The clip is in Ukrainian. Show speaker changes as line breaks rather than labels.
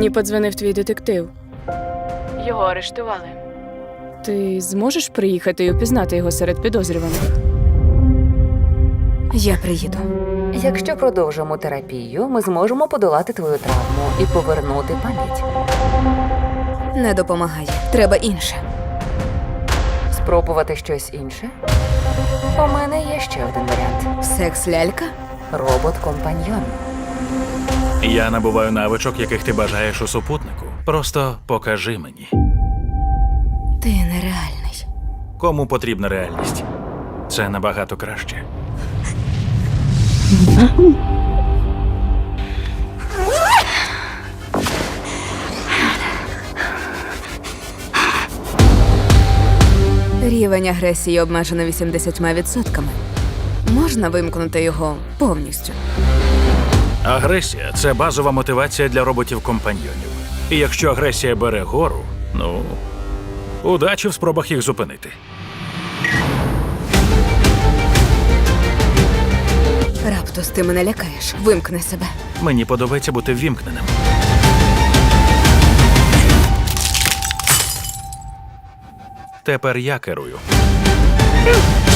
Мені подзвонив твій детектив. Його арештували. Ти зможеш приїхати і упізнати його серед підозрюваних?
Я приїду.
Якщо продовжимо терапію, ми зможемо подолати твою травму і повернути пам'ять.
Не допомагає. Треба інше.
Спробувати щось інше? У мене є ще один варіант.
Секс-лялька?
Робот-компаньйон.
Я набуваю навичок, яких ти бажаєш у супутнику. Просто покажи мені.
Ти нереальний.
Кому потрібна реальність? Це набагато краще.
Рівень агресії обмежено 80%. Можна вимкнути його повністю.
Агресія – це базова мотивація для роботів-компаньйонів. І якщо агресія бере гору, ну, удачі в спробах їх зупинити.
Раптус, ти мене лякаєш. Вимкни себе.
Мені подобається бути ввімкненим. Тепер я керую.